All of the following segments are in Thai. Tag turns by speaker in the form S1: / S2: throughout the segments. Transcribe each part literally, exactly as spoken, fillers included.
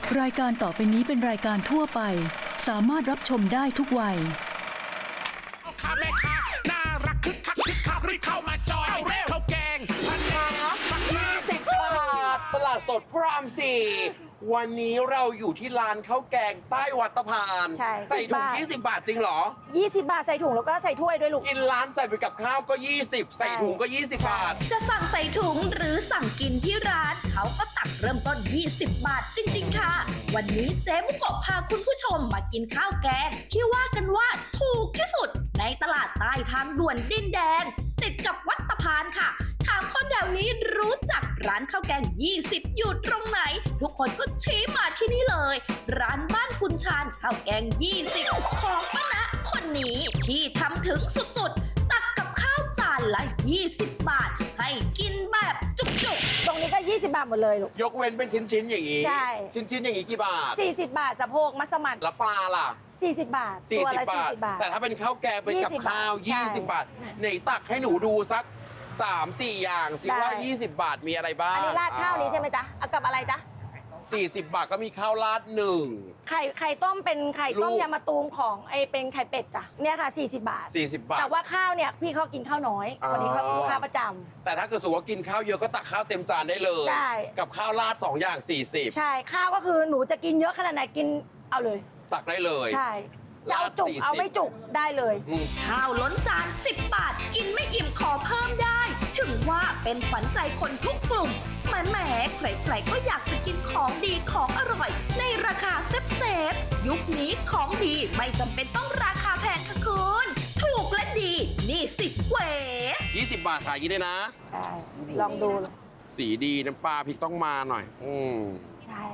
S1: รายการต่อไปนี้เป็นรายการทั่วไปสามารถรับชมได้ทุกวัย
S2: ข้าแม่ค้าน่ารักคึกคักคึกคักรีบเข้ามาจอยเร็วข้าวแกงพันมาฝักยี่สิบบาทตลาดสดพระรามสี่วันนี้เราอยู่ที่ร้านข้าวแกงใต้วัดตะพาน
S3: ใช่
S2: ใส่ถุงยี่สิบบาทจริงเหรอ
S3: ยี่สิบบาทใส่ถุงแล้วก็ใส่ถ้วยด้วยลูก
S2: กินร้านใส่ไปกับข้าวก็ยี่สิบใส่ถุงก็ยี่สิบบาท
S4: จะสั่งใส่ถุงหรือสั่งกินที่ร้านเขาก็ตักเริ่มต้นยี่สิบบาทจริงๆค่ะวันนี้เจ๊มุกโกะพาคุณผู้ชมมากินข้าวแกงที่ว่ากันว่าถูกที่สุดในตลาดใต้ทางด่วนดินแดงติดกับวัดตะพานค่ะถามคนแถวนี้รู้จักร้านข้าวแกงยี่สิบอยู่ตรงไหนทุกคนก็ชี้มาที่นี่เลยร้านบ้านคุณชานข้าวแกงยี่สิบของป้าณะคนนี้ที่ทำถึงสุดๆตักกับข้าวจานละยี่สิบบาทให้กินแบบจุกๆ
S3: ตรงนี้ก็ยี่สิบบาทหมดเลยลูก
S2: ยกเว้นเป็นชิ้นๆอย่างนี้
S3: ใช่
S2: ชิ้นๆอย่างนี้กี่บาท
S3: สี่สิบบาทสะโพกมัสมั่น
S2: แล้วปลาล่ะ
S3: สี่สิบบาท
S2: สี่
S3: ตัว
S2: สิบ
S3: ละสี่สิบบาท
S2: แต่ถ้าเป็นข้าวแกงเป็นกับข้าวยี่สิบบาทไหนตักให้หนูดูสักสามสี่อย่างสิว่ายี่สิบบาทมีอะไรบ้าง
S3: อันนี้ราดข้าวนี้ใช่ไหมจ๊ะเอากับอะไรจ๊ะ
S2: สี่สิบบาทก็มีข้าวราดหนึ่ง
S3: ไข่ไข่ต้มเป็นไข่ต้มยำมะตูมของไอเป็นไข่เป็ดจ้ะเนี่ยค่ะสี่สิบบาท
S2: สี่สิบบาท
S3: แต่ว่าข้าวเนี่ยพี่เขากินข้าวน้อยวันนี้เขาลูกค้าประจำ
S2: แต่ถ้าเกิดสมมติว่ากินข้าวเยอะก็ตักข้าวเต็มจานได้เลย
S3: ใช่
S2: กับข้าวราดสองอย่างสี่สิบ
S3: ใช่ข้าวก็คือหนูจะกินเยอะขนาดไหนกินเอาเลย
S2: ตักได้เลย
S3: ใช่จะเอาจุกเอาไม่จุกได้เลย
S4: ข้าวล้นจานสิบบาทกินไม่อิ่มขอเพิ่มได้ถึงว่าเป็นขวัญใจคนทุกกลุ่มแหมแหมใครๆก็อยากจะกินของดีของอร่อยในราคาเซฟเซฟยุคนี้ของดีไม่จำเป็นต้องราคาแพงค่ะคุณถูกและดีนี่สิบเว
S2: ยี่สิบบาทขายยี่ได้นะ
S3: ลองดู
S2: สีดีน้ำปลาพริกต้องมาหน่อยอืม
S3: ใช่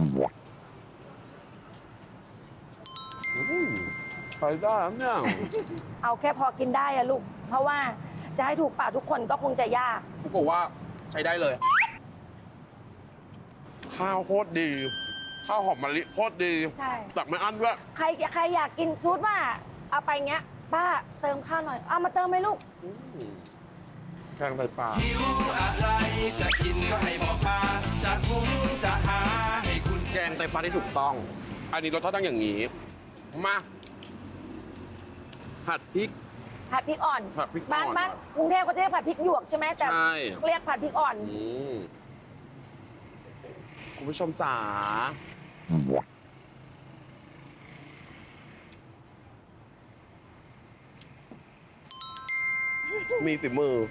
S2: ใส่ได้เนี่ย
S3: เอาแค่พอกินได้อะลูกเพราะว่าจะให้ถูกปากทุกคนก็คงจะยาก
S2: ผมบอกว่าใช้ได้เลยข้าวโคตรดีข้าวหอมมะลิโคตรดี
S3: ใช่
S2: ตักไม่อั้นด้วย
S3: ใครใครอยากกินซูดว่าเอาไปเงี้ยป้าเติมข้าวหน่อยเอามาเติมไหมลูก
S2: แกงไตปลา
S5: หิวอะไรจะกินก็ให้บอกมาจะหุงจะหาให้คุณ
S2: แกงไตปลาที่ถูกต้องอันนี้รสชาติต้องอย่างนี้มาผัดพริก
S3: ผัดพริกอ่อน
S2: ผัดพริก
S3: บ้านบ้านกรุงเทพเขาจะเรียกผัดพริกหยวกใช่ไหมแต่เรียกผัดพริกอ่อน
S2: คุณผู้ชมจ๋ามีฝีมือ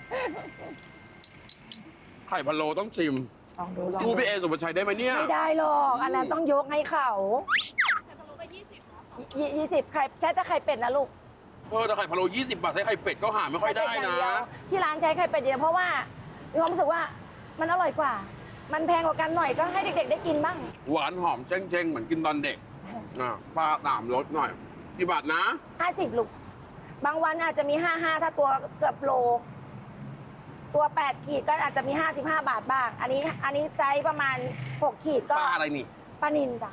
S2: ไข่พะโล้ต้องชิม
S3: ลองดู
S2: สู้พี่เอสุภาชัยได้ไหมเนี่ย
S3: ไม่ได้หรอกอันนั้นต้องยกให้เขาไข่พะโล้ไปยี่สิบยี่สิบไข่ใช้แต่ไข่เป็ดนะลูก
S2: เออแต่ไข่พะโล้ยี่สิบบาทใช้ไข่เป็ดก็หาไม่ค่อยได้นะ
S3: ที่ร้านใช้ไข่เป็ดเยอะเพราะว่ามีความรู้สึกว่ามันอร่อยกว่ามันแพงกว่ากันหน่อยก็ให้เด็กๆได้กินบ้าง
S2: หวานหอมเจ้งๆเหมือนกินตอนเด็กอ่ะปลาตามรสหน่อยกี่บาทนะ
S3: ห้าสิบลูกบางวันอาจจะมีห้าห้าถ้าตัวเกือบโลตัวแปดขีดก็อาจจะมีห้าสิบห้าบาทบ้างอันนี้อันนี้ไซส์ประมาณหกขีดก็
S2: ปลาอะไรนี่
S3: ปลานิลจ้ะ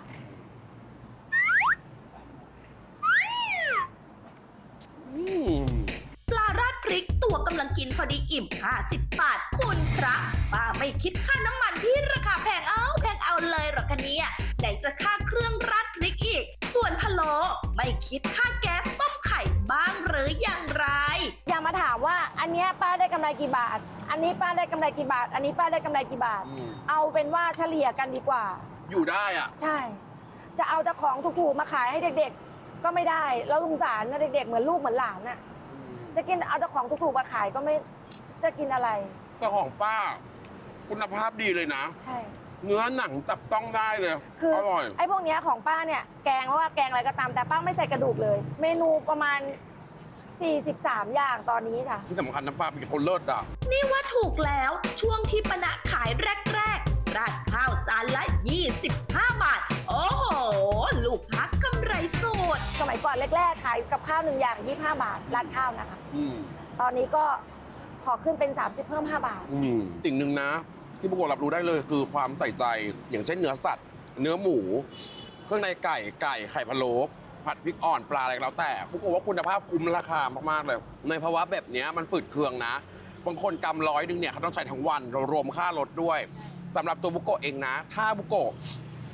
S4: ปลาราดพริกตัวกำลังกินพอดีอิ่มห้าสิบบาทคุณพระป้าไม่คิดค่าน้ำมันที่ราคาแพงเอาแพงเอาเลยหรอกคะเนี่ยไหนจะค่าเครื่องราดพริกอีกส่วนพะโล้ไม่คิดค่าแก๊สต้มไข่บ้างหรืออย่างไร
S3: อย่ามาถามว่าอันนี้ป้าได้กำไรกี่บาทอันนี้ป้าได้กำไรกี่บาทอันนี้ป้าได้กำไรกี่บาทเอาเป็นว่าเฉลี่ยกันดีกว่า
S2: อยู่ได้อ่ะ
S3: ใช่จะเอาแต่ของถูกๆมาขายให้เด็กๆก็ไม่ได้แล้วสงสารนะเด็กๆเหมือนลูกเหมือนหลานน่ะจะกินเอาแต่ของถูกๆมาขายก็ไม่จะกินอะไร
S2: แต่ของป้าคุณภาพดีเลยนะ
S3: ใช่
S2: เนื้อหนังจับต้องได้เลย
S3: คือ
S2: อร่อย
S3: ไอ้พวกนี้ของป้าเนี่ยแกงไม่ว่าแกงอะไรก็ตามแต่ป้าไม่ใส่กระดูกเลยเมนูประมาณสี่สิบสามอย่างตอนนี้ค่ะ
S2: ที่สำคัญน้ำปลาเป็นคนเลิศอ่ะ
S4: นี่ว่าถูกแล้วช่วงที่ป้าณะขายแรกๆราดข้าวจานละยี่สิบห้าบาทโอ้โหลูกค้ากำไรสุด
S3: สมัยก่อนแรกๆขายกับข้าวหนึ่งอย่างยี่สิบห้าบาทราดข้าวนะคะตอนนี้ก็ขอขึ้นเป็นสามสิบเพิ่มห้าบาท
S2: สิ่งหนึ่งนะที่พวกเรารับรู้ได้เลยคือความใส่ใจอย่างเช่นเนื้อสัตว์เนื้อหมูเครื่องในไก่ไก่ไข่พะโล้ผัดพริกอ่อนปลาอะไรแล้วแต่พวกเราว่าคุณภาพคุ้มราคามากๆเลยในภาวะแบบนี้มันฝืดเคืองนะบางคนกำร้อยนึงเนี่ยเขาต้องใช้ทั้งวันเรารวมค่ารถด้วยสำหรับตัวบุโกะเองนะถ้าบุโกะ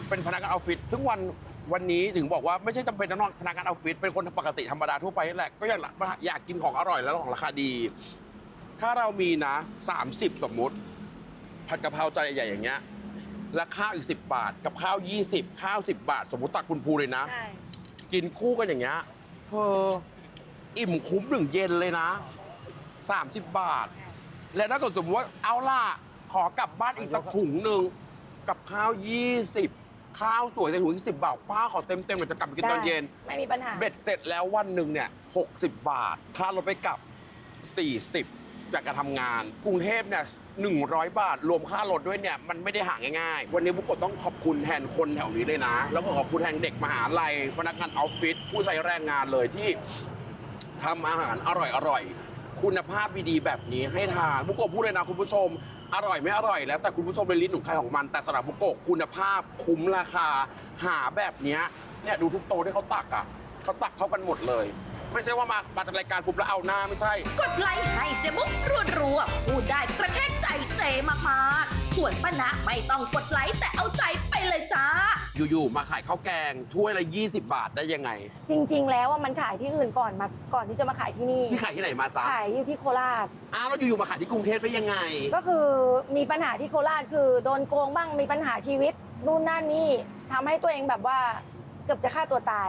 S2: เป็นพนักงานออฟฟิศซึ่งวันวันนี้ถึงบอกว่าไม่ใช่จำเป็นต้องพนักงานออฟฟิศเป็นคนปกติธรรมดาทั่วไปนี่แหละก็อยากอยากกินของอร่อยแล้วของราคาดี ถ้าเรามีนะสามสิบสมมุติผัดกะเพราจานใหญ่ๆอย่างเงี้ยแล้วข้าวอีกสิบบาทกับข้าวยี่สิบข้าวสิบบาท สมมติตักคุณภูเลยนะ
S3: ใช่
S2: กินคู่กันอย่างเงี้ยเธออิ่มคุ้มหนึ่งเย็นเลยนะสามสิบบาท แล้วถ้าเกิดสมมติว่าเอาล่ะขอกลับบ้านอีกสักถุงหนึ่งกับข้าวยี่สิบข้าวสวยแต่ถุงอีกสิบบาทป้าขอเต็มเต็มๆมันจะกลับไปกินตอนเย็น
S3: ไม่มีปัญหา
S2: เบ็ดเสร็จแล้ววันหนึ่งเนี่ยหกสิบบาท ค่ารถไปกลับ สี่สิบ จากการทำงาน กรุงเทพเนี่ยหนึ่งร้อยบาท รวมค่ารถด้วยเนี่ย มันไม่ได้หาง่ายๆ วันนี้บุกโกะต้องขอบคุณแทนคนแถวนี้เลยนะ แล้วก็ขอบคุณแทนเด็กมหาลัย พนักงานออฟฟิศ ผู้ใช้แรงงานเลยที่ทำอาหารอร่อยๆ คุณภาพดีๆแบบนี้ให้ทาน บุกโกะพูดเลยนะคุณผู้ชม อร่อยไม่อร่อยแล้วแต่คุณผู้ชมเป็นลิ้นของใครของมัน แต่สำหรับบุกโกะคุณภาพคุ้มราคา หาแบบเนี้ยเนี่ยดูทุกโต๊ะที่เขาตักอ่ะเขาตักเข้ากันหมดเลย ไม่ใช่ว่ามามาจัดรายการปุ๊บแล้วเอาหน้าไม่ใช่
S4: กดไลค์ให้เจมุกรัวๆพูดได้กระแทกใจเจมากๆส่วนป้านะไม่ต้องกดไลค์แต่เอาใจไปเลยจ้า
S2: อยู่ๆมาขายข้าวแกงถ้วยละยี่สิบบาทได้ยังไง
S3: จริง ๆ แล้วว่ามันขายที่อื่นก่อนมาก่อนที่จะมาขายที่นี่
S2: พี่ขายที่ไหนมาจ๊ะ
S3: ขายอยู่ที่โคราช
S2: อ้าวแล้วอยู่ๆมาขายที่กรุงเทพได้ยังไง
S3: ก็คือมีปัญหาที่โคราชคือโดนโกงบ้างมีปัญหาชีวิตนู่นนั่นนี่ทำให้ตัวเองแบบว่าเกือบจะฆ่าตัวตาย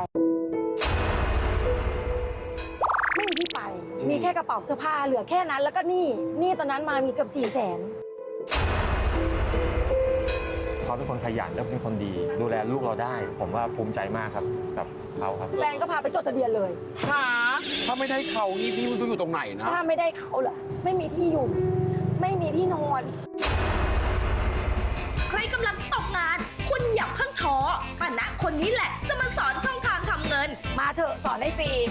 S3: ไม่มีที่ไป
S2: อืม
S3: มีแค่กระเป๋าเสื้อผ้าเหลือแค่นั้นแล้วก็หนี่นี่ตอนนั้นมามีเกือบสี่แสน
S6: เขาเป็นคนขยันและเป็นคนดี ดูแลลูกเราได้ ผมว่าภูมิใจมากครับกับเขาครับ
S3: แฟนก็พาไปจดทะเบียนเลย
S2: หาถ้าไม่ได้เขานี่พี่ไมันจะอยู่ตรงไหนนะ
S3: ถ้าไม่ได้เขาเหรอไม่มีที่อยู่ ไม่มีที่นอน
S4: ใครกำลังตกงาน คุณอย่าเพิ่งท้อป้านะคนนี้แหละจะมาสอนช่องทางทำเงิน
S3: มาเถอะสอนให้ฟรี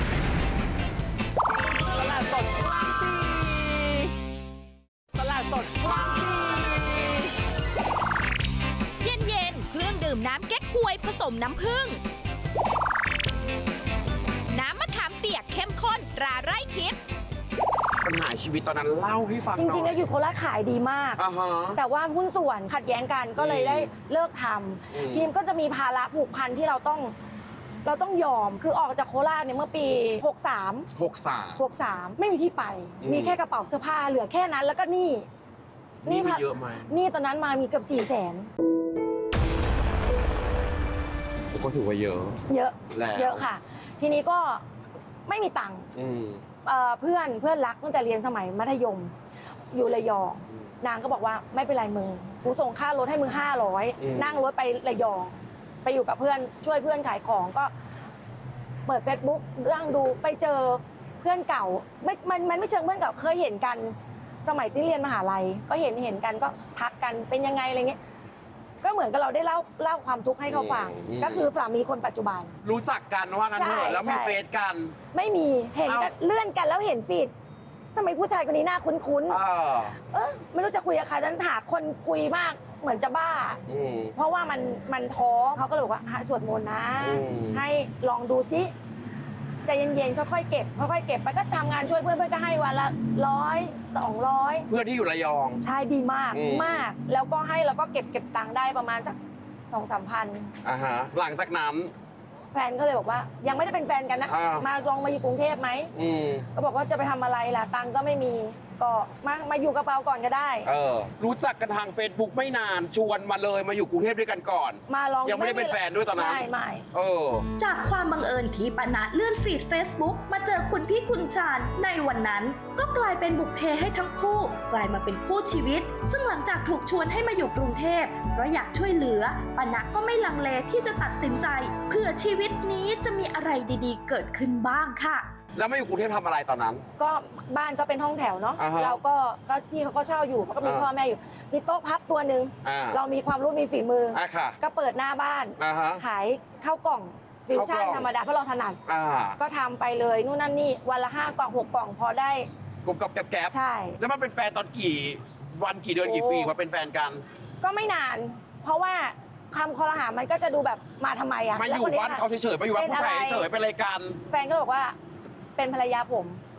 S3: ตลาดสดกลางปีตลาดสดกลางปี
S7: เย็นๆ เครื่องดื่มน้ำเก๊กฮวยผสมน้ำผึ้ง น้ำมะขามเปียกเข้มข้นตราไร่ทิพย์
S2: ปัญหาชีวิตตอนนั้นเล่าให้ฟังห
S3: จ
S2: น่อย
S3: ริงๆแล้วอยู่โคราชขายดีมาก
S2: อ่าฮะ
S3: แต่ว่าหุ้นส่วนขัดแย้งกันก็เลย
S2: อืม
S3: ได้เลิกท
S2: อืม
S3: ำทีมก็จะมีภาระผูกพันที่เราต้องเราต้องยอมคือออกจากโคราชเนี่ยเมื่อปีหกสาม
S2: หกสาม
S3: หกสามไม่มีที่ไป
S2: อืม
S3: มีแค่กระเป๋าเสื้อผ้าเหลือแค่นั้นแล้วก็หนี่
S2: นี่มี
S3: พั
S2: เยอะไหม
S3: หนี่ตอนนั้นมามีเกือบสี่แสน
S2: ก็ถือว่าเยอะ
S3: เยอะ
S2: แล้ว
S3: เยอะค่ะ ทีนี้ก็ไม่มีตังค์
S2: อืม
S3: เอ่อเพื่อนเพื่อนรักตั้งแต่เรียนสมัยมัธยม อยู่ระยอง
S2: อืม
S3: นางก็บอกว่าไม่เป็นไรมึงกูส่งค่ารถให้มึงห้าร้อย
S2: อืม
S3: นั่งรถไประยอง ไปอยู่กับเพื่อนช่วยเพื่อนขายของก็ เปิด Facebook เรื่องดูไปเจอเพื่อนเก่าไม่มันมันไม่เชิงเพื่อนเก่าเคยเห็นกัน สมัยที่เรียนมหาลัย ก็เห็นเห็นกันก็ทักกันเป็นยังไงอะไรเงี้ยก็เหมือนกับเราได้เล่าเล่าความทุกข์ให้เขาฟัง
S2: อืม
S3: ก็คือสามีคนปัจจุบัน
S2: รู้จักกันว่างั้นเถ
S3: ใช่
S2: อะแล้วมี
S3: ใช่
S2: เฟซกัน
S3: ไม่มีเห็นกัน
S2: เอ้า
S3: เลื่อนกันแล้วเห็นฟีดทำไมผู้ชายคนนี้หน้าคุ้นๆ
S2: เออ
S3: เออไม่รู้จะคุยกับใครนั้นหาคนคุยมากเหมือนจะบ้า
S2: อืม
S3: เพราะว่ามันมันท้อเขาก็เลยบอกว่าหาสวดมนต์นะ
S2: อืม
S3: ให้ลองดูซิใจเย็นๆค่อยๆเก็บค่อยๆเก็บไปก็ทำงานช่วยเพื่อนเพื่อนก็ให้วันละร้อยสองร้อย
S2: เพื่อนที่อยู่ระยอง
S3: ใช่ดีมาก
S2: อืม
S3: มาก แล้วก็ให้แล้วก็เก็บเก็บตังค์ได้ประมาณสักสองสามพัน
S2: อ่าฮะ หลังจากนั้น
S3: แฟนก็เลยบอกว่า ยังไม่ได้เป็นแฟนกันนะ
S2: อ่าม
S3: มาลองมาอยู่กรุงเทพไหม
S2: อืม
S3: ก็บอกว่าจะไปทำอะไรล่ะตังค์ก็ไม่มีก็มามาอยู่กระเป๋าก่อนก็ได้
S2: เออ รู้จักกันทาง Facebook ไม่นาน ชวนมาเลยมาอยู่กรุงเทพด้วยกันก่อน
S3: มาลอง
S2: ยังไม่ได้เป็นแฟนด้วยตอนนั้น
S3: ไม่ไม่
S2: เออ
S4: จากความบังเอิญที่ปานะเลื่อนฟีด Facebook มาเจอคุณพี่คุณชาญในวันนั้น ก็กลายเป็นบุพเพให้ทั้งคู่ กลายมาเป็นคู่ชีวิต ซึ่งหลังจากถูกชวนให้มาอยู่กรุงเทพเพราะอยากช่วยเหลือปานะก็ไม่ลังเลที่จะตัดสินใจเพื่อชีวิตนี้จะมีอะไรดีๆ เกิดขึ้นบ้างค่ะ
S2: แล้วมาอยู่กรุงเทพทำอะไรตอนนั้น
S3: ก็บ้านก็เป็นห้องแถวเนาะ
S2: อ่าฮะ
S3: เราก็ก็พี่เขาก็เช่าอยู่เขาก็มี
S2: อ่า
S3: พ่อแม่อยู่มีโต๊ะพับตัวหนึ่ง
S2: อ่า
S3: เรามีความรู้มีฝีมืออ
S2: อ่ะค่ะ
S3: ก็เปิดหน้าบ้าน
S2: อ่าฮะ
S3: ขายข้าวกล่องฟิวชั่น
S2: ข้าวกล่อง
S3: ธรรมดาเพราะเราถนัด
S2: อ่า
S3: ก็ทำไปเลยนู่นนั่นนี่วันละห้ากล่องหกกล่องพอได้
S2: กลมกับแก๊บ
S3: ใช่
S2: ๆแล้วมันเป็นแฟนตอนกี่วันกี่เดือน
S3: โอ้
S2: กี่ปีมาเป็นแฟนกัน
S3: ก็ไม่นาน เพราะว่าคำคอรหามันก็จะดูแบบมาทำไมอะ
S2: มาอ
S3: แล้ว
S2: ยู่
S3: คนนี้
S2: บ้านเขาเฉยๆมาอยู่บ้านผู้ชายเฉยๆเป็นอะไรกัน
S3: แฟนก็บอกว่าเป็นภรรยาผม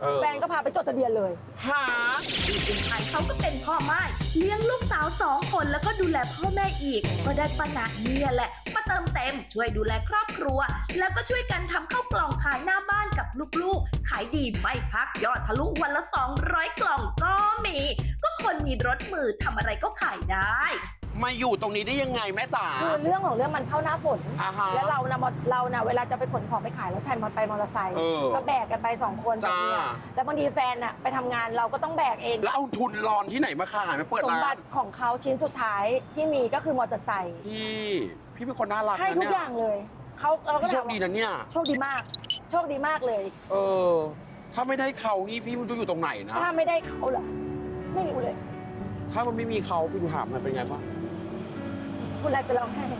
S2: เออ
S3: แฟนก็พาไปจดทะเบียนเลย
S2: หา
S4: พี่คุณชายเขาก็เป็นพ่อไม้เลี้ยงลูกสาวสองคนแล้วก็ดูแลพ่อแม่อีก ก็ได้ป้านะเนี่ยแหละมาเติมเต็มช่วยดูแลครอบครัว แล้วก็ช่วยกันทำข้าวกล่องขายหน้าบ้านกับลูกๆ ขายดีไม่พักยอดทะลุวันละสองร้อยกล่องก็มี ก็คนมีรถมือทำอะไรก็ขายได้
S2: มาอยู่ตรงนี้ได้ยังไงแม่จ๋า
S3: คือเรื่องของเรื่องมันเข้าหน้าฝน
S2: อ่าฮะ
S3: แล้วเรานะมอเรานะเวลาจะไปขนของไปขายแล้วใช้มอไปมอเตอร์ไซค์
S2: เออ
S3: ก็แบกกันไปสองคนแบบ
S2: จ้า
S3: เนี้ยแล้วบางทีแฟนอะไปทำงานเราก็ต้องแบกเอง
S2: แล้วเอาทุนรอนที่ไหนมาขายมาเปิด
S3: สม
S2: ร้า
S3: บั
S2: น
S3: ติของเขาชิ้นสุดท้ายที่มีก็คือมอเตอร์ไซค์
S2: พี่ พี่เป็นคนน่ารัก
S3: ให้
S2: นะ
S3: ทุก
S2: เนี่ย
S3: อย่างเลยเขาเราก็
S2: พี่โช
S3: ถา
S2: ค
S3: ม
S2: ดี
S3: ว่า
S2: นะเนี่ย
S3: โชคดีมาก โชคดีมากเลย
S2: เออ ถ้าไม่ได้เขานี่พี่ไมันจะอยู่ตรงไหนนะ
S3: ถ้าไม่ได้เขาเหรอไม่รู้เลย
S2: ถ้ามันไม่มีเขาพี่ดูถามมันเป็นไงบ้าง
S3: คุณอาจจะร้องไห้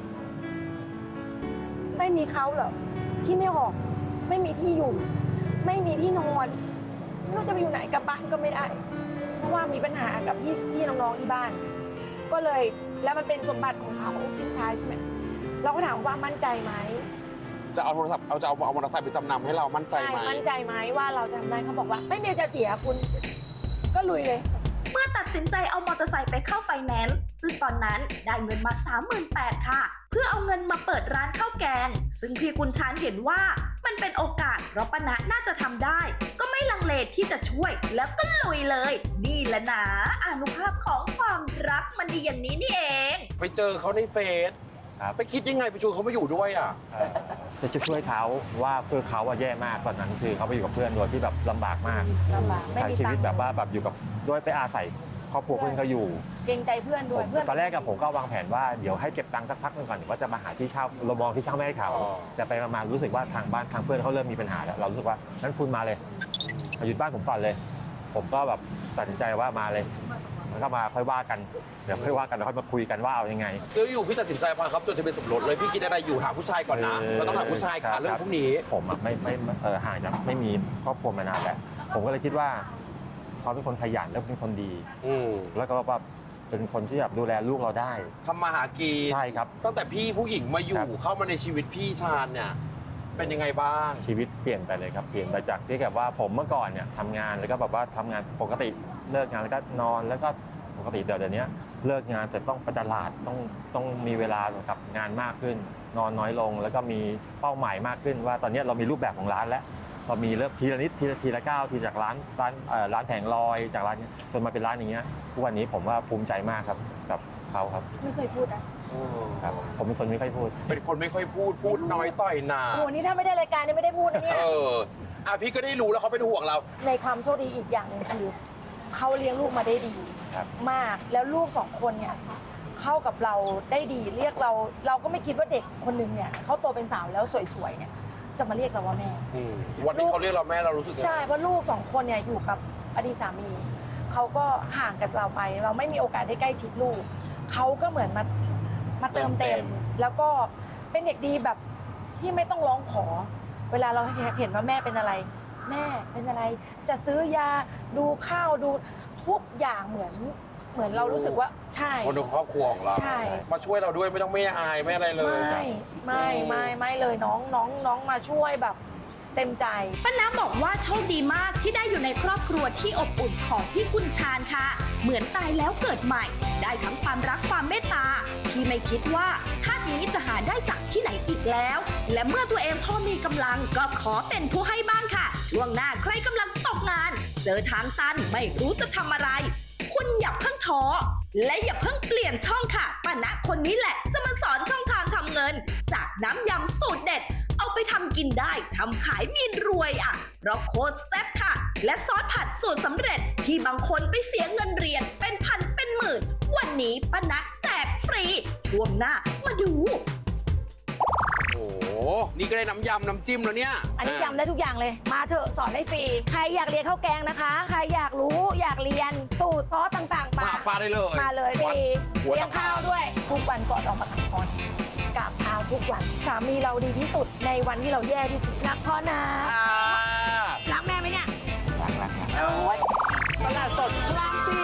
S3: ไม่มีเขาเหรอที่ไม่ออก ไม่มีที่อยู่ ไม่มีที่นอนไม่รู้จะไปอยู่ไหนกลับบ้านก็ไม่ได้ เพราะว่ามีปัญหากับพี่พี่น้องๆที่บ้าน ก็เลยแล้วมันเป็นสมบัติของเขาชิ้นท้ายใช่ไหมเราก็ถามว่ามั่นใจไหม
S2: จะเอาโทรศัพท์เอาจะเอาเอามอเตอร์ไซค์ไปจำนำให้เรามั่นใจไหม
S3: มั่นใจไหมว่าเราทำได้เขาบอกว่า ไม่มีจะเสียคุณ ก็ลุยเลย
S4: เมื่อตัดสินใจเอามอเตอร์ไซค์ไปเข้าไฟแนนซ์ซึ่งตอนนั้นได้เงินมา สามหมื่นแปดพัน ค่ะ เพื่อเอาเงินมาเปิดร้านข้าวแกง ซึ่งพี่กุญชานเห็นว่ามันเป็นโอกาสเพราะป้านะน่าจะทำได้ ก็ไม่ลังเลที่จะช่วยแล้วก็ลุยเลย นี่แหละนะอานุภาพของความรักมันดีอย่างนี้นี่เอง
S2: ไปเจอเขาในเฟซ
S6: ครับ
S2: ไปคิดยังไงไปชวนเขามาอยู่ด้วยอ่ะ
S6: เอ่อจะช่วยเขาว่าคือเขาอะแย่มากตอนนั้นคือเขาไปอยู่กับเพื่อนโดยที่แบบลำบากมาก
S3: ลำบากไม่
S6: ใช้
S3: มี
S6: ชี
S3: ตั
S6: วิ
S3: ง
S6: ต
S3: ค์
S6: แบบว่าแบบอยู่กับด้วยไปอาศัยครอบครัวเพื่อนเขาอยู่
S3: เกรงใจเพื่อนด้วย
S6: ผม
S3: เพื่อน
S6: ตอนแรกกับผมก็วางแผนว่าเดี๋ยวให้เก็บตังค์สักพักหนึงก่อนเดี๋ยวว่าจะมาหาที่เช่าเรามองที่เช่าไม่ให้เขา
S2: อ๋อ
S6: แต่ไปมาๆรู้สึกว่าทางบ้านทางเพื่อนเขาเริ่มมีปัญหาแล้วเรารู้สึกว่างั้นคุณมาเลยมาหยุดบ้านผมก่อนเลย ผมก็แบบตัดสินใจว่ามาเลยมันก็มาค่อยว่ากันเดี๋ยวค่อยว่ากันแล้วค่อยมาคุยกันว่าเอายังไง
S2: แล้วอยู่พี่ตัดสินใจพาครับจดทะเบียนสมรสเลยพี่คิดอะไรอยู่หาผู้ชายก่อนนะ
S6: เออ
S2: เราต้องหาผู้ชาย
S6: ครั
S2: ค่ะ
S6: บ
S2: เรื่องพวกนี้
S6: ผมอะไม่ไม่ไม่เออห่างจากไม่มีครอบครัวมานานแล้วผมก็เลยคิดว่าเขาเป็นคนขยันแล้วเป็นคนดี
S2: อืม
S6: แล้วก็แบบเป็นคนที่แบบดูแลลูกเราได้
S2: ทำมาหากิน
S6: ใช่ครับ
S2: ตั้งแต่พี่ผู้หญิงมาอยู่
S6: ครับ
S2: เข้ามาในชีวิตพี่ชาญเนี่ยเป็นยังไงบ้าง
S6: ชีวิตเปลี่ยนไปเลยครับเปลี่ยนไปจากที่แบบว่าผมเมื่อก่อนเนี่ยทำงานแล้วก็แบบว่าทำงานปกติเลิกงานแล้วก็นอนแล้วก็ปกติเดี๋ยวเดี๋ยวนี้เลิกงานแต่ต้องไปตลาดต้องต้องมีเวลากับงานมากขึ้น นอนน้อยลง แล้วก็มีเป้าหมายมากขึ้น ว่าตอนนี้เรามีรูปแบบของร้านแล้วเรามีเริ่มทีละนิดทีละทีละก้าวทีจากร้านร้านเอ่อร้านแผงลอยจากร้านเนี้ยจนมาเป็นร้านอย่างเงี้ยทุกวันนี้ผมว่าภูมิใจมากครับกับเขาครับ
S3: ไม่เคยพูดอ่ะ
S6: ครับ ผมเป็นคนไม่ค่อยพูด
S2: เป็นคนไม่ค่อยพูดพูดน้อยต่อยหนา
S3: โอ้โหนี่ถ้าไม่ได้รายการนี่ไม่ได้พูดนะเนี่ย
S2: เอออ่ะพี่ก็ได้รู้แล้วเขาเป็นห่วงเรา
S3: ในความโชคดีอีกอย่างหนึ่งคือเขาเลี้ยงลูกมาได้ดี
S6: ครับ
S3: มากแล้วลูกสองคนเนี่ยเข้ากับเราได้ดีเรียกเรา เราก็ไม่คิดว่าเด็กคนหนึ่งเนี่ยเขาโตเป็นสาวแล้วสวยๆเนี่ยจะมาเรียกเราว่าแม่
S2: วันนี้เขาเรียกเราแม่เรารู้สึกยังไง
S3: ใช่เพราะลูกสองคนเนี่ยอยู่กับอดีตสามีเขาก็ห่างกับเราไป เราไม่มีโอกาสได้ใกล้ชิดลูกเขาก็เหมือนมามาเติมเต็ม แล้วก็เป็นเด็กดีแบบที่ไม่ต้องร้องขอ เวลาเราเห็นว่าแม่เป็นอะไร แม่เป็นอะไร จะซื้อยาดูข้าวดูทุกอย่างเหมือนเหมือนเรารู้สึกว่าใช่
S2: คนในครอบครัวของเรา
S3: ใช่
S2: มาช่วยเราด้วยไม่ต้องไม่อายไม่อะไรเลย
S3: ไม่ไม่ไม่ไม่เลยน้องน้องน้องมาช่วยแบบเต็มใจ
S4: ป้าน้ำบอกว่าโชคดีมากที่ได้อยู่ในครอบครัวที่อบอุ่นของพี่กุญชานค่ะ เหมือนตายแล้วเกิดใหม่ ได้ทั้งความรักความเมตตา ที่ไม่คิดว่าชาตินี้จะหาได้จากที่ไหนอีกแล้ว และเมื่อตัวเองพอมีกำลังก็ขอเป็นผู้ให้บ้างค่ะ ช่วงหน้าใครกำลังตกงาน เจอทางตันไม่รู้จะทำอะไร คุณอย่าเพิ่งท้อและอย่าเพิ่งเปลี่ยนช่องค่ะป้าณคนนี้แหละจะมาสอนช่องทางทำเงิน จากน้ำยำสูตรเด็ด เอาไปทำกินได้ทำขายมีรวยอ่ะเพราะโคตรแซ่บค่ะ และซอสผัดสูตรสำเร็จที่บางคนไปเสียเงินเรียนเป็นพันเป็นหมื่น วันนี้ป้าณแจกฟรี ช่วงหน้ามาดู
S2: โอ้โหนี่ก็ได้น้ำยำน้ำจิ้มแล้วเนี่ย
S3: อันนี้ยำได้ทุกอย่างเลย มาเถอะสอนได้ฟรี ใครอยากเรียนข้าวแกงนะคะ ใครอยากรู้อยากเรียนสูตรซอสต่างๆ
S2: มา
S3: มา
S2: ปลาได้เลย
S3: มาเลยฟ
S2: วัด
S3: รี
S2: หัว
S3: เลี้ยง
S2: ตะพาน
S3: ข้าวด้วย ทุกวันก่อนออกมาขับคอนกราบเท้าทุกวัน สามีเราดีที่สุดในวันที่เราแย่ที่สุดรักพ่อนะ
S2: อ่า
S3: รักแม่ไหมเนี่ย
S6: รักรักรัก
S3: โอ้ย
S2: ตลาดสดพลังสี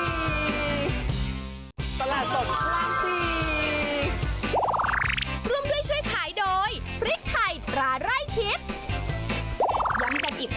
S2: ตลาดสดพลังสี
S7: ร่วมด้วยช่วยขายโดย พริกไทยตราไร่ทิพย์ย้ำกันอีกค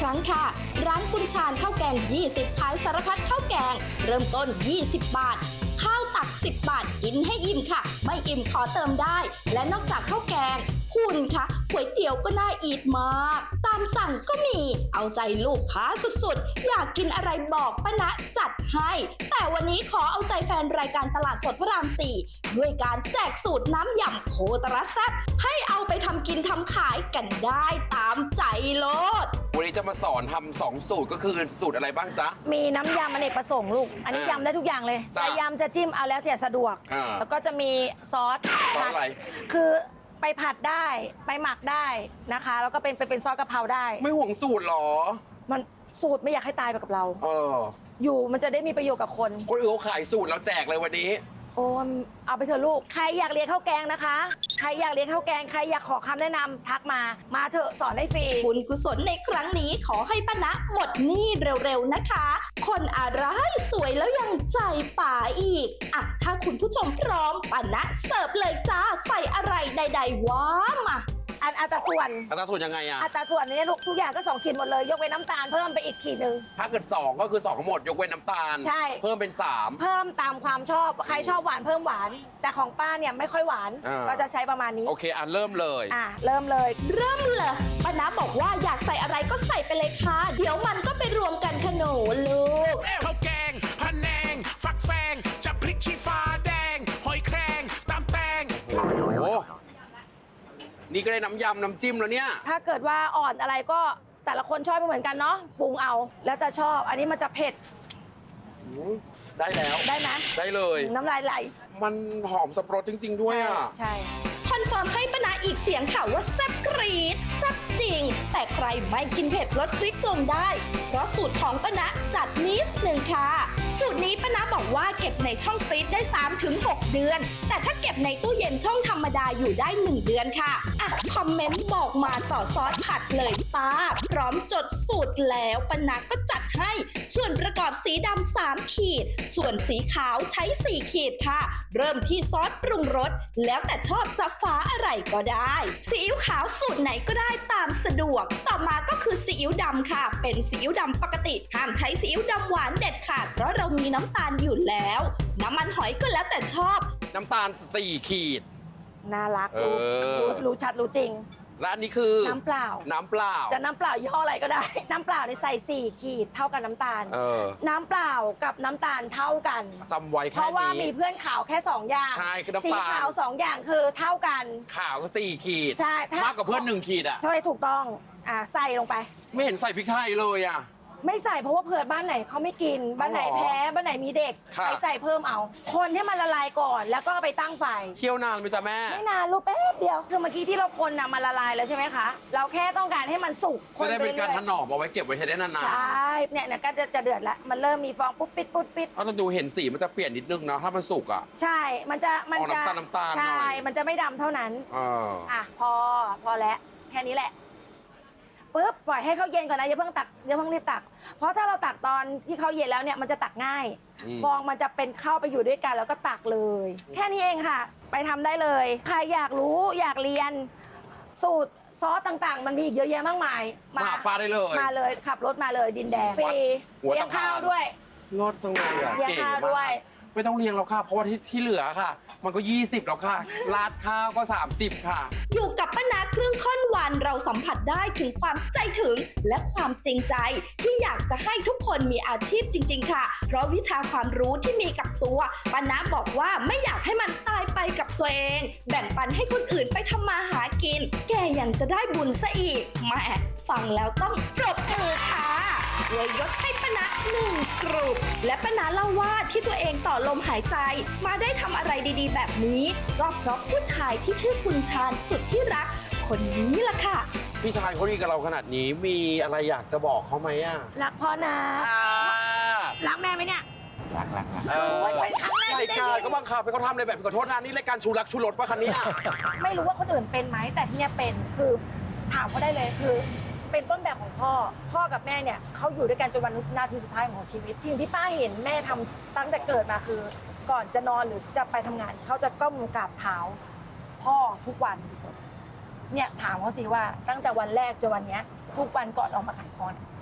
S4: รั้งค่ะ ร้านคุณชาญข้าวแกง ยี่สิบ ขายสารพัดข้าวแกง เริ่มต้น ยี่สิบบาท ข้าวตัก สิบบาท กินให้อิ่มค่ะ ไม่อิ่มขอเติมได้ และนอกจากข้าวแกง คุณคะก๋วยเตี๋ยวก็น่าอีทมาก ตามสั่งก็มี เอาใจลูกค้าสุดๆ อยากกินอะไรบอกป้าณะจัดให้ แต่วันนี้ขอเอาใจแฟนรายการตลาดสดพระราม สี่ ด้วยการแจกสูตรน้ำยำโคตรแซ่บให้เอาไปทำกินทำขายกันได้ตามใจโลด
S2: วันนี้จะมาสอนทำสองสูตรก็คือสูตรอะไรบ้างจ๊ะ
S3: มีน้ำยำอเนกประสงค์ลูก อันนี้
S2: อ่าย
S3: ำได้ทุกอย่างเลย
S2: จ้ะ
S3: จะยำจะจิ้มเอาแล้วแต่สะดวก
S2: อ่า
S3: แล้วก็จะมีซอส
S2: ซอสอะไร
S3: คือไปผัดได้ไปหมักได้นะคะ แล้วก็เป็นเป็นเป็นซอสกะเพราได้
S2: ไม่ห่วงสูตรหรอ
S3: มันสูตรไม่อยากให้ตายไปกับเรา
S2: เออ
S3: อยู่มันจะได้มีประโยชน์กับคน
S2: คนอื่นเขาขายสูตรเราแจกเลยวันนี้
S3: โอ้ยเอาไปเถอะลูก ใครอยากเรียนข้าวแกงนะคะ ใครอยากเรียนข้าวแกง ใครอยากขอคำแนะนำทักมา มาเถอะสอนได้ฟรี
S4: บุญกุศลในครั้งนี้ขอให้ป้าณะหมดหนี้เร็วๆนะคะ คนอะไรสวยแล้วยังใจป่าอีกอ่ะถ้าคุณผู้ชมพร้อมป้าณะเสิร์ฟเลยจ้าใส่อะไรใดๆว้ามา
S3: อันอัตราส่วน
S2: อัตราส่วนยังไงอะ
S3: อัตราส่วนนี้ลูกทุกอย่างก็สองขีดหมดเลย ยกเว้นน้ำตาลเพิ่มไปอีกขีดหนึ่ง
S2: ถ้าเกิดสองก็คือสองทั้งหมดยกเว้นน้ำตาล
S3: ใช่
S2: เพิ่มเป็นสาม
S3: เพิ่มตามความชอบ ใครชอบหวานเพิ่มหวาน แต่ของป้าเนี่ยไม่ค่อยหวาน
S2: อ่า
S3: ก็จะใช้ประมาณนี้
S2: โอเคอ่ะเริ่มเลย
S3: อ่ะเริ่มเลย
S4: เริ่มเลยป้าณะบอกว่าอยากใส่อะไรก็ใส่ไปเลยค่ะ เดี๋ยวมันก็ไปรวมกันขนมลูก
S5: ข้าวแกงพะแนง ฟักแฟง จะพริกชี้ฟ้าแดง หอยแครงตำแตง
S2: โอ้โห นี่ก็ได้น้ำยำน้ำจิ้มแล้วเนี่ย
S3: ถ้าเกิดว่าอ่อนอะไรก็แต่ละคนชอบไม่เหมือนกันเนาะปรุงเอา แล้วแต่ชอบ อันนี้มันจะเผ็ด
S2: ได้แล้ว
S3: ได้ไหม
S2: ได้เลย
S3: น้ำลายไหล
S2: มันหอมสับปะรดจริง ๆ ด้วยอ่ะ
S3: ใช่
S4: คอนเฟิร์มให้ป้าณะอีกเสียงค่ะว่าแซ่บกรี๊ดแซ่บจริง แต่ใครไม่กินเผ็ดลดพริกลงได้ เพราะสูตรของป้าณะจัดนิดหนึ่งค่ะ สูตรนี้ป้าณะบอกว่าเก็บในช่องฟรีซได้ สามถึงหก เดือน แต่ถ้าเก็บในตู้เย็นช่องธรรมดาอยู่ได้ หนึ่ง เดือนค่ะอ่ะคอมเมนต์บอกมาต่อซอสผัดเลยป้า พร้อมจดสูตรแล้วป้าณะก็จัดให้ ส่วนประกอบสีดำสามขีด ส่วนสีขาวใช้สี่ขีดค่ะ เริ่มที่ซอสปรุงรสแล้วแต่ชอบจะฟ้าอะไรก็ได้ซีอิ๊วขาวสูตรไหนก็ได้ตามสะดวก ต่อมาก็คือซีอิ๊วดำค่ะ เป็นซีอิ๊วดำปกติห้ามใช้ซีอิ๊วดำหวานเด็ดขาดเพราะเรามีน้ำตาลอยู่แล้ว น้ำมันหอยก็แล้วแต่ชอบ
S2: น้ำตาลสี่ขีด
S3: น่ารัก
S2: เอ
S3: รู้
S2: อ
S3: รู้รู้ชัดรู้จริง
S2: และอันนี้คือ
S3: น้ำเปล่า
S2: น้ำเปล่า
S3: จะน้ำเปล่ายี่ห้ออะไรก็ได้ น้ำเปล่าในใส่สี่ขีดเท่ากับน้ำตาล
S2: เออ
S3: น้ำเปล่ากับน้ำตาลเท่ากัน
S2: จำไว้
S3: เพ
S2: แค่
S3: ราะว่ามี
S2: นี้
S3: เพื่อนขาวแค่สองอย่าง
S2: ใช่คือน้ำ
S3: สี
S2: ตาล
S3: ขาวสองอย่างคือเท่ากัน
S2: ขาวก็สี่ขีด
S3: ใช่ถ้าม
S2: มากกว่าเพื่อนหนึ่งขีดอ่ะ
S3: ใช่ถูกต้องอ่าใส่ลงไป
S2: ไม่เห็นใส่พริกไทยเลยอ่ะ
S3: ไม่ใส่เพราะว่าเผื่อบ้านไหนเขาไม่กิน บ้านไหน
S2: อ๋อ
S3: แพ้บ้านไหนมีเด็ก
S2: ค่ะ
S3: ไปใส่เพิ่มเอา คนให้มันละลายก่อนแล้วก็เอาไปตั้งไฟ
S2: เคี่ยวนานไหมจ๊ะแม่
S3: ไม่นานลูกแป๊บเดียวคือเมื่อกี้ที่เราคนน่ะมันละลายแล้วใช่ไหมคะ เราแค่ต้องการให้มันสุกค
S2: จะได้เป็นการ
S3: อยๆ
S2: ถนอมเอาไว้เก็บไว้ใช้ได้นาน
S3: ใช่เนี่ยเนี่ยก็จะจะเดือดแล้วมันเริ่มมีฟองปุ๊บปิดปุ๊บปิด
S2: ๆเอาเราดูเห็นสีมันจะเปลี่ยนนิดนึงนะถ้ามันสุกอ่ะ
S3: ใช่ มันจะมันจะ
S2: ออกน้ำตาลน้ำตาลหน่อย
S3: ใช่ มันจะไม่ดำเท่านั้น
S2: เออ
S3: อ่ะพอพอแล้วแค่นี้แหละปุ๊บปล่อยให้เขาเย็นก่อนนะอย่าเพิ่งตักอย่าเพิ่งรีบตัก เพราะถ้าเราตักตอนที่เขาเย็นแล้วเนี่ยมันจะตักง่าย
S2: อืม
S3: ฟองมันจะเป็นเข้าไปอยู่ด้วยกันแล้วก็ตักเลย แค่นี้เองค่ะ ไปทำได้เลยใครอยากรู้อยากเรียนสูตรซอสต่างๆ มันมีอีกเยอะแยะมากมาย
S2: มาหาป้าได้เลย
S3: มาเลยขับรถมาเลยดินแดงฟรี
S2: หัว
S3: เลี้ย
S2: ตะ
S3: ง
S2: พาน
S3: ข้าวด้วย
S2: รสจังเลยอ่ะ
S3: เลี้ยง
S2: เก๋
S3: ข้าว
S2: มา
S3: ด้วย
S2: กไม่ต้องเลี้ยงแล้วค่ะ เพราะว่าที่ที่เหลือค่ะ มันก็ยี่สิบแล้วค่ะราดข้าวก็สามสิบค่ะ
S4: อยู่กับป้าณะครึ่งค่อนวันเราสัมผัสได้ถึงความใจถึง และความจริงใจ ที่อยากจะให้ทุกคนมีอาชีพจริง ๆ ค่ะ เพราะวิชาความรู้ที่มีกับตัวป้าณะบอกว่าไม่อยากให้มันตายไปกับตัวเอง แบ่งปันให้คนอื่นไปทำมาหากิน แกยังจะได้บุญซะอีกแหม่ฟังแล้วต้องปรบมือค่ะเลยยศให้ป้าณะหนึ่งกรุปและป้าณะเล่าว่าที่ตัวเองต่อลมหายใจ มาได้ทำอะไรดีๆ แบบนี้ก็เพราะผู้ชายที่ชื่อคุณชาญสุดที่รัก คนนี้ล่ะค่ะ
S2: พี่ชายเขาดีกับเราขนาดนี้มีอะไรอยากจะบอกเขาไหมอ่ะ
S3: รักพ่อนะ
S2: อ่า
S3: รักแม่ไหมเนี่ย
S6: รักรักรัก
S2: เออ
S3: โอ้ยเป็นครั้งแรก
S2: ราย
S3: ที่ได้
S2: การ
S3: ยิน
S2: ก็บังคับไปเขาทำอะไรแบบนี้ขอโทษนะนี่รายการชูรักชูรสป่ะคันนี้
S3: ไม่รู้ว่าคนอื่นเป็นไหมแต่ที่เนี่ยเป็นคือถามเขาได้เลยคือ เป็นต้นแบบของพ่อ พ่อกับแม่เนี่ยเขาอยู่ด้วยกันจนวันนาทีสุดท้ายของชีวิตสิ่งที่ป้าเห็นแม่ทำตั้งแต่เกิดมาคือ ก่อนจะนอนหรือจะไปทำงานเขาจะก้มกราบเท้า พ่อทุกวันเนี่ยถามเขาสิว่าตั้งแต่วันแรกจนวันเนี้ยทุกวันก่อนออกมาขายของเนี่ย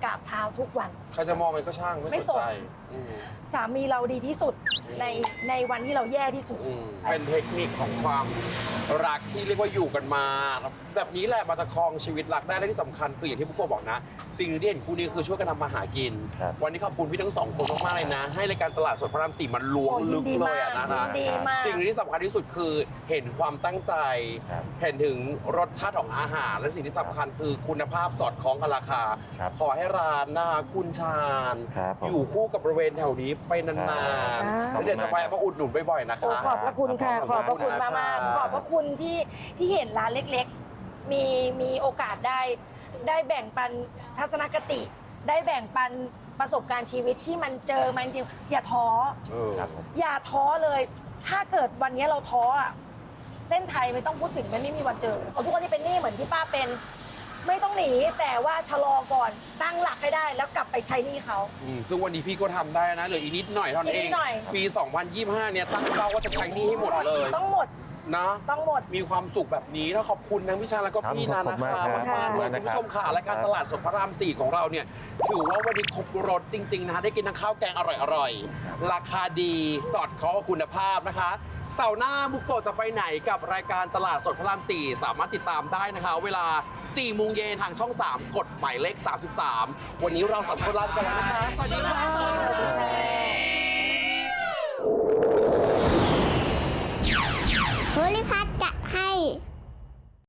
S3: กราบเท้าทุกวัน
S2: ใครจะมองไงก็ช่างไม่
S3: ไม่
S2: สน
S3: สน
S2: ใจอืม
S3: สามีเราดีที่สุดในในวันที่เราแย่ที่สุด
S2: อืมเป็นเทคนิคของความรักที่เรียกว่าอยู่กันมา แบบนี้แหละมันจะครองชีวิตรักได้และที่สำคัญคืออย่างที่ปุ๊กโกะบอกนะ สิ่งหนึ่งที่เห็นคู่นี้คือช่วยกันทำมาหากิน
S6: ครับ
S2: วันนี้ขอบคุณพี่ทั้งสองคนมากๆเลยนะ ให้รายการตลาดสดพระรามสี่มันล้วง
S3: โอ้
S2: ลึก
S3: ดี
S2: เล
S3: มาย ก
S2: อะนะคะ
S3: ดีมาก
S2: สิ่งหนึ่งที่สำคัญที่สุดคือเห็นความตั้งใจ
S6: ครับ
S2: เห็นถึงรสชาติของอาหาร และสิ่งที่สำคัญคือคุณภาพสอดคล้องกับราคา
S6: ครับ
S2: ขอให้ร้านนะคะคุณชาญ
S6: ครับผม
S2: อยู่คู่กับบริเวณแถวนี้ไปนาน
S3: ครับ
S2: ๆแล้วเดี๋ยวจะไปมาอุดหนุนบ่อยๆนะ
S3: โอ้
S2: คะ
S3: ขอบพระคุณค่ะ ขอบพระคุณมาก
S2: ข
S3: มาก
S2: อบคุณนะคะ
S3: ขอบพระคุณที่ที่เห็นร้านเล็กๆ มีมีโอกาสได้ได้แบ่งปันทัศนคติ ได้แบ่งปันประสบการณ์ชีวิตที่มันเจอมาจริงๆอย่าท้อ
S2: เออ
S6: ครับผม
S3: อย่าท้อเลย ถ้าเกิดวันนี้เราท้ออะเส้นไทยไม่ต้องพูดถึงมันไม่มีวันเจอเอาทุกคนที่เป็นหนี้เหมือนที่ป้าเป็น ไม่ต้องหนีแต่ว่าชะลอก่อนตั้งหลักให้ได้แล้วกลับไปใช้หนี้เขา
S2: อืมซึ่งวันนี้พี่ก็ทำได้นะเหลืออีกนิดหน่อยเท่านั้นเอ
S3: อีกนิ
S2: ง
S3: ดหน่อย
S2: ปี สองพันยี่สิบห้า เนี่ยตั้งเป้าว่าจะใช้หนี้ให้หมดเลย
S3: ต้องหมด
S2: นะ
S3: ต้องหมด
S2: มีความสุขแบบนี้แล้วขอบคุณทั้งพี่ชาแล้วก็
S6: ครับ
S2: พี่นา
S6: ขอบ
S2: นะ
S6: คุณ
S2: คะ
S6: มากครับ
S2: มากๆเลย
S6: ขอบคุณ
S2: คุณผู้ชมค่ะ
S6: นะครับ
S2: และการตลาดสดพระรามสี่ของเราเนี่ยถือว่าวันนี้ครบรสจริงๆนะคะได้กินทั้งข้าวแกงอร่อยๆราคาดีสอดคล้องกับคุณภาพนะคะเสาร์หน้าบุกโกะจะไปไหนกับรายการตลาดสดพระรามสี่สามารถติดตามได้นะคะ เวลาสี่โมงเย็นทางช่องสามกดหมายเลขสามสิบสามวันนี้เราสามคนลาไปก่อนแล้วนะคะสวัสดีค่ะ